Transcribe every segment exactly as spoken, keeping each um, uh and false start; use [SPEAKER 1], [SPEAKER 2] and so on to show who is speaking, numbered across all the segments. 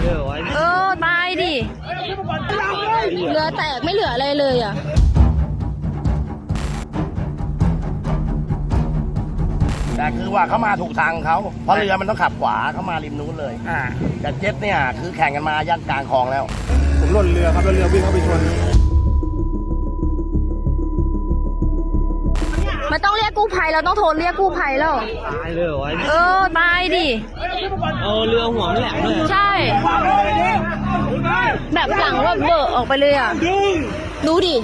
[SPEAKER 1] เออตายดิเรือแตกไม่เหลืออะไรเลยอ่ะ
[SPEAKER 2] แต่คือว่าเขามาถูกทางเขาเพราะเรือมันต้องขับขวาเข้ามาริมนู้นเลย
[SPEAKER 3] อ่า
[SPEAKER 2] แต่เจ็ตเนี่ยคือแข่งกันมายันกลางคลองแล้ว
[SPEAKER 3] ผมหล่นเรือครับแล้วเรือวิ่งเข้าไปชน
[SPEAKER 1] มันต้องเรียกกู้ภัยเราต้องโทรเรียกกู้ภัยแล้ว
[SPEAKER 4] ตายเลยเหรอวะ
[SPEAKER 1] เออตายดิ
[SPEAKER 4] เอาเรือหัวมันแหลมเลย
[SPEAKER 1] ใช่ แบบหลังว่าเบอะออกไปเลยอ่ะดูดิ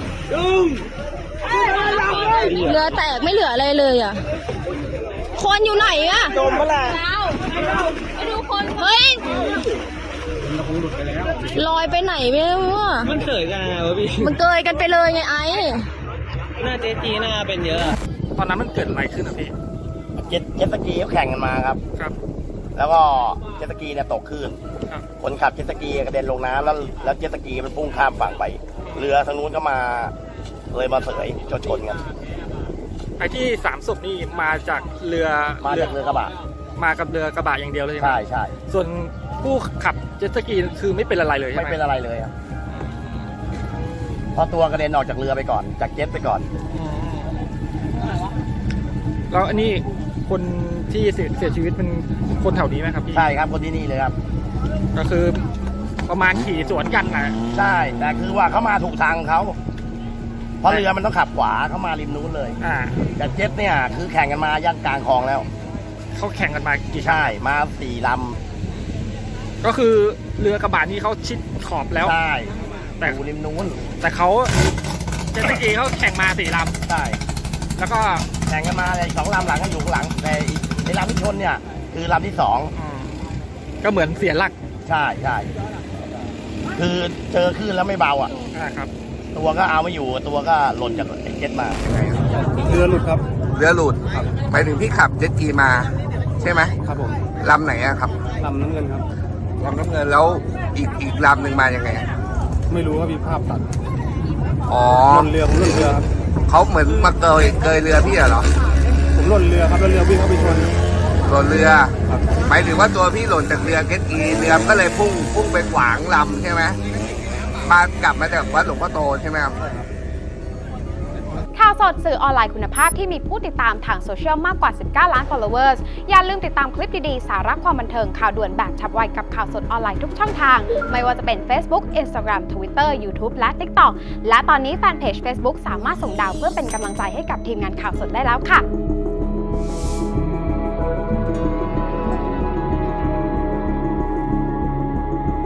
[SPEAKER 1] เรือแตกไม่เหลืออะไรเลยอ่ะคนอยู่ไหนอ่ะ
[SPEAKER 4] จมปะล่ะ
[SPEAKER 1] ไปดูคนเฮ้ยลอยไปไหนไม่รู้อ่ะ
[SPEAKER 4] มันเสยกันนะวะพี่
[SPEAKER 1] มันเกยกันไปเลยไงไอ้
[SPEAKER 4] หน้าเจ๊จีหน้าเป็นเยอะ
[SPEAKER 3] ตอนนั้นมันเกิดอะไรขึ้นอ่ะพี่
[SPEAKER 2] เจ็ตเจ็ตสกีเขาแข่งกันมาครับ
[SPEAKER 3] ครับ
[SPEAKER 2] แล้วก็เจ็ตสกีเนี่ยตกคลื่น
[SPEAKER 3] ครับ
[SPEAKER 2] คนขับเจ็ตสกีกระเด็นลงน้ำแล้วแล้วเจ็ตสกีมันพุ่งข้ามฝั่งไป เรือทางนู้นก็มาเลยมาเสยชนชนกัน
[SPEAKER 3] ไอ้ที่สามศพนี่มาจากเรือ
[SPEAKER 2] มาจากเรือกระบะ
[SPEAKER 3] มากับเรือกระบะอย่างเดียวเลยใช่ไหม
[SPEAKER 2] ใช่ใช่
[SPEAKER 3] ส่วนผู้ขับเจ็ตสกีคือไม่เป็นอะไรเลยใช่
[SPEAKER 2] ไม่
[SPEAKER 3] ไหม
[SPEAKER 2] เป็นอะไรเลยครับเพราะตัวกระเด็นออกจากเรือไปก่อน จากเจ็ตไปก่อน
[SPEAKER 3] อืมแล้วอันนี้คนที่เสียเสียชีวิตเป็นคนแถวนี้ไหมครับพี่
[SPEAKER 2] ใช่ครับคนที่นี่เลยครับ
[SPEAKER 3] ก็คือประมาณขี่สวนกันนะ
[SPEAKER 2] ใช่แต่คือว่าเขามาถูกทางเขาเพราะเรือมันต้องขับขวาเข้ามาริมนู้นเลย
[SPEAKER 3] อ่า
[SPEAKER 2] แต่เจ็ตเนี่ยคือแข่งกันมายันกลางคลองแล้ว
[SPEAKER 3] เขาแข่งกันมากี่ครั้ง
[SPEAKER 2] ใช่มาสี่ล
[SPEAKER 3] ก็คือเรือกระบะนี้เขาชิดขอบแล้ว
[SPEAKER 2] ำใช่
[SPEAKER 3] แต่
[SPEAKER 2] อยู่ริมนู้น
[SPEAKER 3] แต่เขาเจ็ตสกีเขาแข่งมาสี่ล
[SPEAKER 2] ใช่
[SPEAKER 3] ำแล้วก็
[SPEAKER 2] แข่งกันมาเลยสองลำหลังก็อยู่ข้างหลังแต่อีกในลำที่ชนเนี่ยคือลำที่สอง
[SPEAKER 3] อืมก็เหมือนเสียหลัก
[SPEAKER 2] ใช่ใช่คือเจอคลื่นแล้วไม่เบาอ่ะ
[SPEAKER 3] นะครับ
[SPEAKER 2] ตัวก็เอาไม่อยู่ตัวก็หล่นจากไอ้เจ็ตมา
[SPEAKER 3] เรือหลุดครับ
[SPEAKER 5] เรือหลุดหมายถึงพี่ขับเจ็ตกีมาใช่ไหม
[SPEAKER 3] ครับผม
[SPEAKER 5] ลำไหนอะครับ
[SPEAKER 3] ลำน้ำเงินครับ
[SPEAKER 5] ลำน้ำเงินแล้วอีกอีกลำหนึ่งมายังไงอะ
[SPEAKER 3] ไม่รู้ว่ามีภาพตัด
[SPEAKER 5] อ๋อ
[SPEAKER 3] ล่นเรือผมล่นเรือครับ
[SPEAKER 5] เขาเหมือนมาเกยเกยเรือพี่เหรอ
[SPEAKER 3] ผมล่นเรือครับแล้วเรือวิ่งเข้าไปชน
[SPEAKER 5] หล่นเรือ
[SPEAKER 3] ครับ
[SPEAKER 5] หมายถึงว่าตัวพี่หล่นจากเรือเจ็ตกีเรือก็เลยพุ่งพุ่งไปขวางลำใช่ไหมมากลับมาจากวัดหลวงพ่อโตใช่ไหมครับ
[SPEAKER 6] ข่าวสดสื่อออนไลน์คุณภาพที่มีผู้ติดตามทางโซเชียลมากกว่า สิบเก้า ล้าน followers อย่าลืมติดตามคลิปดีๆ สาระความบันเทิงข่าวด่วนแบบฉับไวกับข่าวสดออนไลน์ทุกช่องทาง ไม่ว่าจะเป็น Facebook Instagram Twitter YouTube และ TikTok และตอนนี้แฟนเพจ Facebook สามารถส่งดาวเพื่อเป็นกำลังใจให้กับทีมงานข่าวสดได้แล้วค่ะ